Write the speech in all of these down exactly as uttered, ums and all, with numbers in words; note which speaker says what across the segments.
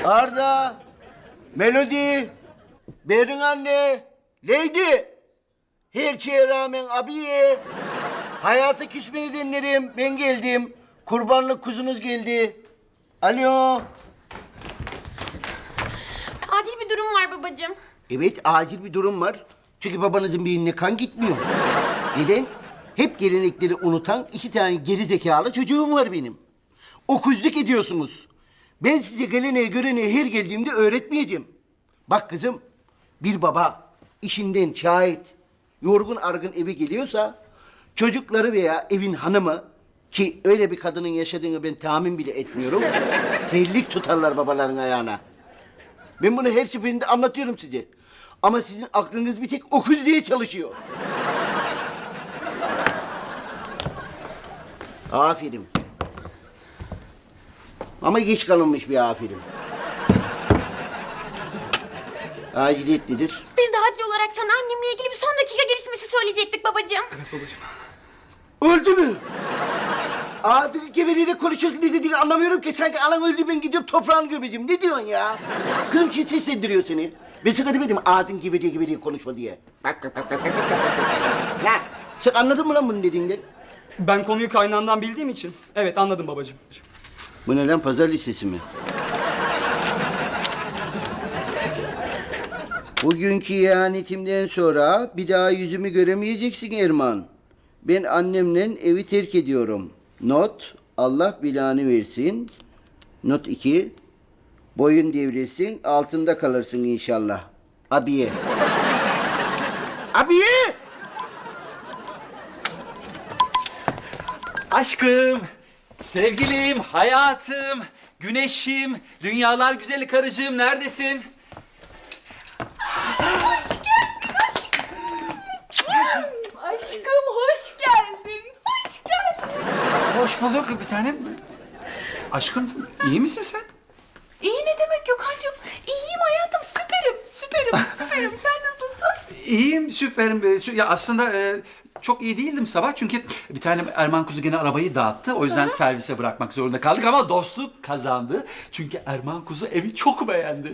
Speaker 1: Arda, Melody, Berin anne, Lady. Her şeye rağmen abiye. Hayata küsmeni dinlerim. Ben geldim. Kurbanlık kuzunuz geldi. Alo.
Speaker 2: Acil bir durum var babacığım.
Speaker 1: Evet, acil bir durum var. Çünkü babanızın beynine kan gitmiyor. Neden? Hep gelenekleri unutan iki tane geri zekalı çocuğum var benim. Okuzluk ediyorsunuz. Ben size geleneği göreneği her geldiğimde öğretmeyeceğim. Bak kızım, bir baba işinden şahit, yorgun argın eve geliyorsa... çocukları veya evin hanımı, ki öyle bir kadının yaşadığını ben tahmin bile etmiyorum... terlik tutarlar babaların ayağına. Ben bunu her seferinde anlatıyorum size. Ama sizin aklınız bir tek okuz diye çalışıyor. Aferin. Ama geç kalınmış bir aferin. Aciliyet nedir?
Speaker 2: Biz de acil olarak sana annemle ilgili bir son dakika gelişmesi söyleyecektik babacığım.
Speaker 3: Evet babacığım.
Speaker 1: Öldü mü? Ağzını geveliyle konuşuyorsun, ne dediğini anlamıyorum ki. Sanki anan öldü, ben gidiyorum toprağını gömeceğim. Ne diyorsun ya? Kızım kim seslendiriyor seni? Ben sana demedim ağzın geveliye geveliye konuşma diye. Bak bak bak bak bak bak. Ya sen anladın mı lan bunun dediğinden?
Speaker 3: Ben konuyu kaynağından bildiğim için. Evet anladım babacığım.
Speaker 1: Bu ne lan, pazar listesi mi? Bugünkü ihanetimden sonra bir daha yüzümü göremeyeceksin Erman. Ben annemle evi terk ediyorum. Not, Allah belanı versin. Not iki, boyun devrilsin, altında kalırsın inşallah. Abiye. Abiye!
Speaker 4: Aşkım, sevgilim, hayatım, güneşim, dünyalar güzeli karıcığım neredesin?
Speaker 5: Hoş geldin aşkım. Aşkım hoş geldin. Hoş geldin.
Speaker 4: Hoş bulduk bir tanem. Aşkım, iyi misin sen?
Speaker 5: İyi ne demek Gökhan'cığım? İyiyim hayatım, süperim, süperim, süperim. Sen nasılsın?
Speaker 4: İyiyim, süperim. Ee, sü- Ya aslında e, çok iyi değildim sabah çünkü bir tane Erman kuzu gene arabayı dağıttı. O yüzden servise bırakmak zorunda kaldık ama dostluk kazandı. Çünkü Erman kuzu evi çok beğendi.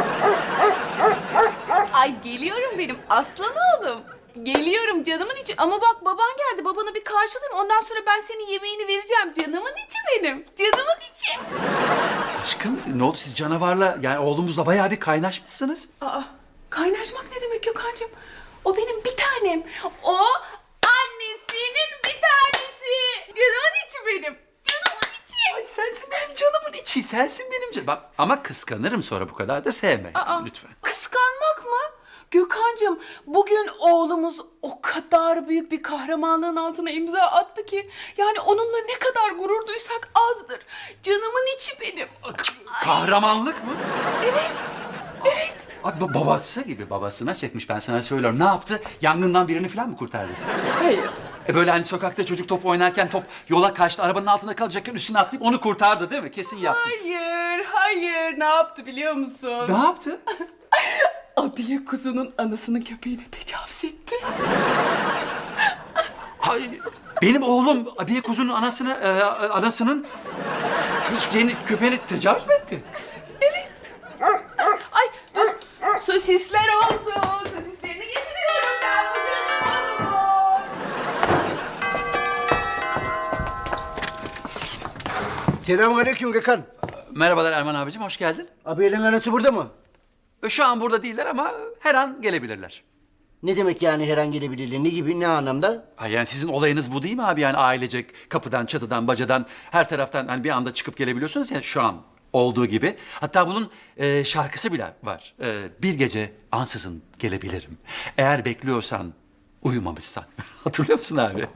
Speaker 5: Ay geliyorum benim aslan oğlum. Geliyorum canımın içi. Ama bak baban geldi. Babanı bir karşılayayım. Ondan sonra ben senin yemeğini vereceğim. Canımın içi benim. Canımın içi.
Speaker 4: Aşkım, ne oldu siz canavarla, yani oğlumuzla bayağı bir kaynaşmışsınız.
Speaker 5: Aa, kaynaşmak ne demek Gökhan'cığım? O benim bir tanem. O annesinin bir tanesi. Canımın içi benim. Canımın içi.
Speaker 4: Ay sensin benim canımın içi, sensin benim canım. Bak ama kıskanırım sonra, bu kadar da sevme.
Speaker 5: Aa,
Speaker 4: Lütfen.
Speaker 5: Kıskanmak mı? Gökhan'cığım bugün oğlumuz o kadar büyük bir kahramanlığın altına imza attı ki... yani onunla ne kadar gurur duysak azdır. Canımın içi benim.
Speaker 4: Kahramanlık mı?
Speaker 5: Evet, evet.
Speaker 4: Ay, ba- babası gibi babasına çekmiş, ben sana söylüyorum. Ne yaptı? Yangından birini falan mı kurtardı?
Speaker 5: Hayır.
Speaker 4: E böyle hani sokakta çocuk top oynarken top yola kaçtı, arabanın altında kalacakken üstüne atlayıp onu kurtardı değil mi? Kesin yaptı.
Speaker 5: Hayır, hayır. Ne yaptı biliyor musun?
Speaker 4: Ne yaptı?
Speaker 5: Abiye kuzunun anasının köpeğine tecavüz etti.
Speaker 4: Ay, benim oğlum abiye kuzunun anasını, e, anasının kız- şeyini, köpeğine tecavüz mü etti?
Speaker 5: Ay dur. Sosisler oldu. Sosislerini getiriyorum ben bu canım oğluma.
Speaker 1: Selamünaleyküm Gökhan.
Speaker 4: Merhabalar Erman abicim, hoş geldin.
Speaker 1: Abiyenin anası burada mı?
Speaker 4: E, Şu an burada değiller ama her an gelebilirler.
Speaker 1: Ne demek yani her an gelebilirler? Ne gibi, ne anlamda?
Speaker 4: Ha, yani sizin olayınız bu değil mi abi? Yani ailecek kapıdan, çatıdan, bacadan, her taraftan hani bir anda çıkıp gelebiliyorsunuz ya şu an olduğu gibi. Hatta bunun e, şarkısı bile var. E, bir gece ansızın gelebilirim. Eğer bekliyorsan, uyumamışsan. Hatırlıyor musun abi?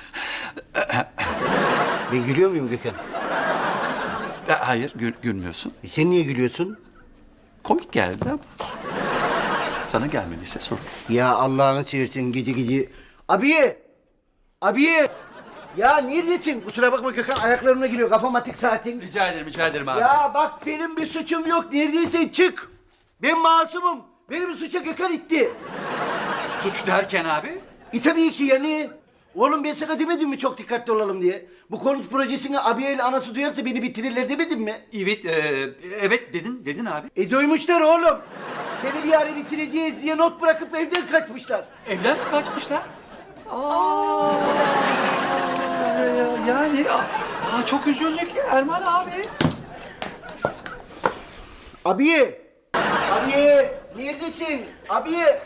Speaker 1: Ben gülüyor muyum Gökhan?
Speaker 4: E, Hayır, gül, gülmüyorsun.
Speaker 1: E sen niye gülüyorsun?
Speaker 4: Komik geldi ama. Sana gelmediyse sorun.
Speaker 1: Ya Allah'ını seversen gece gece... Abiye! Abiye! Ya neredesin? Kusura bakma Gökhan, ayaklarımla giriyor. Kafam atık saatin.
Speaker 4: Rica ederim, rica ederim abicim.
Speaker 1: Ya bak benim bir suçum yok. Neredeyse çık. Ben masumum. Benim suça Gökhan itti.
Speaker 4: Suç derken abi?
Speaker 1: E tabii ki yani. Oğlum ben sana demedim mi çok dikkatli olalım diye? Bu konut projesini abiye ile anası duyarsa beni bitirirler demedim mi?
Speaker 4: Evet, e, evet dedin, dedin abi.
Speaker 1: E duymuşlar oğlum. Seni bir ara bitireceğiz diye not bırakıp evden kaçmışlar.
Speaker 4: Evden mi kaçmışlar? Aa, yani aa, çok üzüldük Erman abi.
Speaker 1: Abiye! Abiye! Neredesin? Abiye!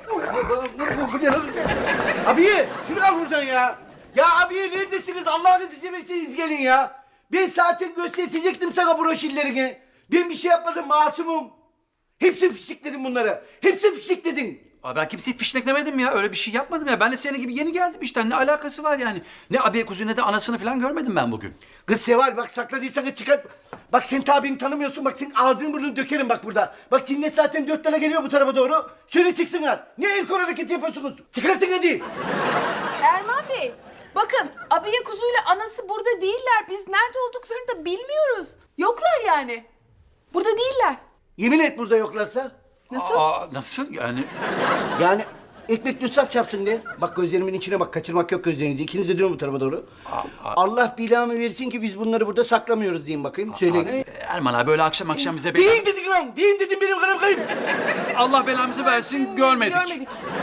Speaker 1: Abiye! Şunu al buradan ya! Ya abiye neredesiniz? Allah'ınızı severseniz gelin ya! Ben zaten gösterecektim sana broşürlerini. Ben bir şey yapmadım, masumum. Hepsini fişekledim bunları. Hepsini fişekledin.
Speaker 4: Abi ben kimseyi fişneklemedim ya. Öyle bir şey yapmadım ya. Ben de senin gibi yeni geldim işte. Ne alakası var yani? Ne abiye kuzu ne de anasını falan görmedim ben bugün.
Speaker 1: Kız Seval bak sakladıysanız çıkar. Bak sen tabini tanımıyorsun. Bak senin ağzını burnunu dökerim bak burada. Bak cinnet zaten dört tane geliyor bu tarafa doğru. Söyle çıksınlar. Ne el kol hareketi yapıyorsunuz? Çıkartın hadi.
Speaker 5: Erman Bey, bakın abiye kuzuyla anası burada değiller. Biz nerede olduklarını da bilmiyoruz. Yoklar yani. Burada değiller.
Speaker 1: Yemin et burada yoklarsa.
Speaker 5: Nasıl?
Speaker 4: Aa, nasıl yani?
Speaker 1: Yani ekmek düssaf çarpsın diye. Bak gözlerimin içine bak. Kaçırmak yok gözlerinizi. İkiniz de dönün bu tarafa doğru. Allah bilamı versin ki biz bunları burada saklamıyoruz diyeyim bakayım. Söyleyin.
Speaker 4: Erman abi böyle akşam akşam bize...
Speaker 1: Deyin dedik lan. Deyin dedim benim kanım kayıp.
Speaker 4: Allah belamızı versin görmedik.
Speaker 5: Görmedik.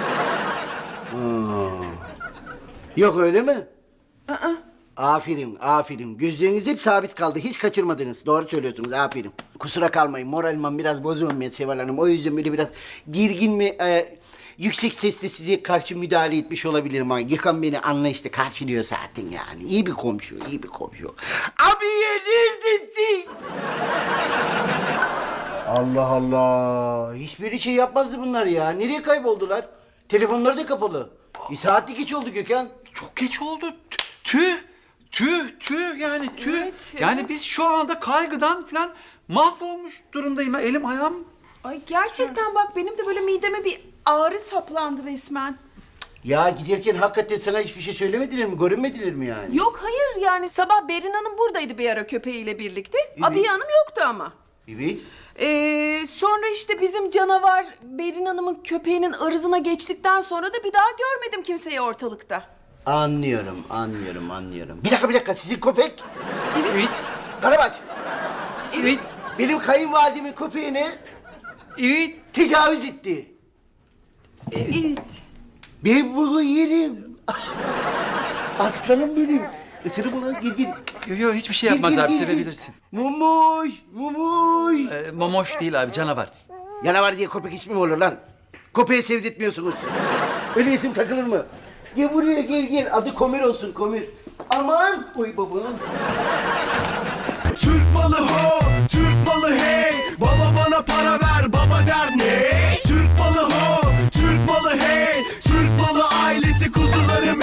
Speaker 1: Yok öyle mi? Aferin, aferin. Gözleriniz hep sabit kaldı. Hiç kaçırmadınız. Doğru söylüyorsunuz. Aferin. Kusura kalmayın. Moralim biraz bozuğum ben Seval Hanım. O yüzden böyle biraz gergin mi, e, yüksek sesle size karşı müdahale etmiş olabilirim ama Gökhan beni anlayışla karşılıyor zaten yani. İyi bir komşu, iyi bir komşu. Abiye neredesin? Allah Allah. Hiçbiri şey yapmazdı bunlar ya. Nereye kayboldular? Telefonları da kapalı. Bir saatlik geç oldu Gökhan.
Speaker 4: Çok geç oldu. Tü- Tüh. Tüh, tüh yani tüh.
Speaker 5: Evet,
Speaker 4: yani
Speaker 5: evet.
Speaker 4: biz şu anda kaygıdan falan mahvolmuş durumdayım. ya. Elim ayağım.
Speaker 5: Ay gerçekten bak benim de böyle mideme bir ağrı saplandı resmen.
Speaker 1: Ya giderken hakikaten sana hiçbir şey söylemediler mi? Görünmediler mi yani?
Speaker 5: Yok hayır yani sabah Berin Hanım buradaydı bir ara köpeğiyle birlikte. Abiye Hanım yoktu ama.
Speaker 1: Evet.
Speaker 5: Ee, sonra işte bizim canavar Berin Hanım'ın köpeğinin ırzına geçtikten sonra da bir daha görmedim kimseyi ortalıkta.
Speaker 1: Anlıyorum, anlıyorum, anlıyorum. Bir dakika, bir dakika. Sizin köpek
Speaker 4: Evet.
Speaker 1: Karabaş.
Speaker 4: Evet.
Speaker 1: Benim kayınvalidemin köpeğine
Speaker 4: Evet.
Speaker 1: tecavüz etti.
Speaker 5: Evet.
Speaker 1: Ben bunu yerim. Aslanım benim. Isırım ulan, gel gel.
Speaker 4: Yo yo hiçbir şey
Speaker 1: Gel,
Speaker 4: yapmaz
Speaker 1: gel,
Speaker 4: abi
Speaker 1: gel, gel.
Speaker 4: sevebilirsin.
Speaker 1: Mumuş, mumuş.
Speaker 4: Ee, momoş değil abi canavar.
Speaker 1: Yanavar diye köpek ismi mi olur lan? Köpeği sevdirtmiyorsunuz. Öyle isim takılır mı? Gel buraya gel gel. Adı Komir olsun Komir. Aman. Oy baba.
Speaker 6: Türk malı ho, Türk malı hey. Baba bana para ver.